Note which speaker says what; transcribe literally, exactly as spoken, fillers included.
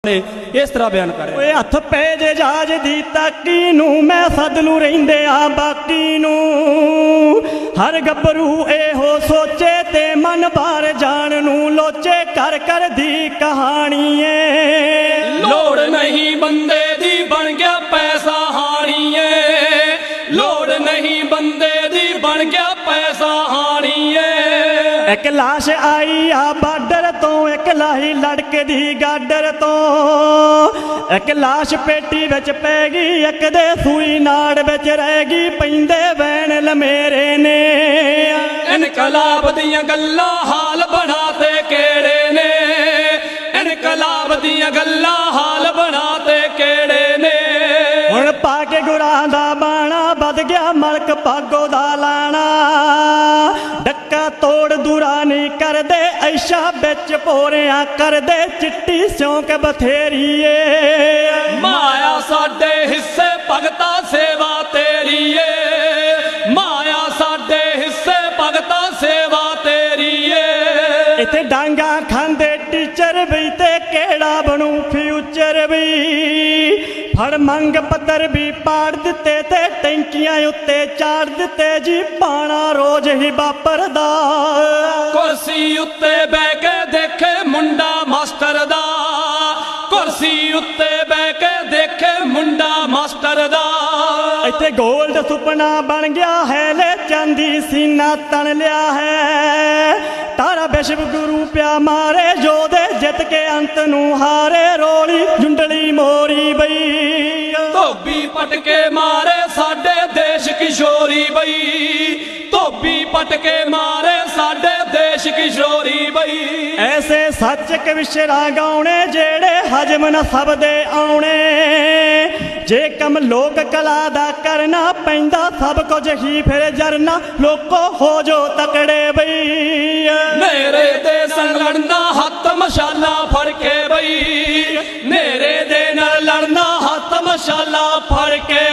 Speaker 1: इस तरह बयान कर
Speaker 2: ओए हथ पे जे जाज दी ताकी नू मैं सदलू रहिंदे आ बाकी नू हर गबरू एहो सोचे ते मन बाहर जान नू लोचे कर कर दी कहानी है।
Speaker 3: लोड़ नहीं बंदे दी बन गया पैसा हानी है, लोड़ नहीं बंदे दी बन गया पैसा हानी है।
Speaker 2: एक लाश आई आ बार्डर तो एक लाही लड़के दी गाडर तो एक लाश पेटी विच पै गई एक दे सूई नाड़ विच रह गई पैंदे वैन लमेरे ने।
Speaker 3: इनकलाब दियां गल्लां हाल बनाते केड़े ने, इनकलाब दियां गल्लां हाल बनाते केड़े ने।
Speaker 2: हुण पाके गुरां दा बाणा बद गया मलक भागो दा लाना डक्का तोड़ दूरा नहीं कर दे ऐशा बिच पोरियां कर दे चिट्टी सिਉਂक बथेरी ए।
Speaker 3: माया साडे हिस्से भगता सेवा तेरी ए, माया साडे हिस्से भगता सेवा तेरी ए।
Speaker 2: इत्थे डांगा खांदे टीचर भी ते केड़ा बनू फ्यूचर भी फड़ मंग पत्थर भी पाड़ दिते ते टैंकियां उत्ते चाड़ दिते जी पाना रोज ही वापरदा।
Speaker 3: कुर्सी उत्ते बह के देखे मुंडा मास्टर दा, कुर्सी उत्ते बह के देखे मुंडा मास्टर दा।
Speaker 2: इत्थे गोल्ड सुपना बन गया है ले चांदी सीना तन लिया है तारा विश्व गुरु प्या मारे जोधे जित के अंत नू हारे रोली जुंडली मोरी बई।
Speaker 3: धोबी पटके मारे साडे देश किशोरी बई, धोबी पटके मारे साडे देश किशोरी बई।
Speaker 2: ऐसे सच कविशरा गाउने जेड़े हजम न सब दे आउने जे कम लोक कला दा करना पैंदा सब कुछ ही फिर जरना लोको हो जो तकड़े बई।
Speaker 3: मेरे दे संग लड़ना हत्थ मशाला फड़ के बई, मेरे दे नाल लड़ना हत्थ मशाला फड़ के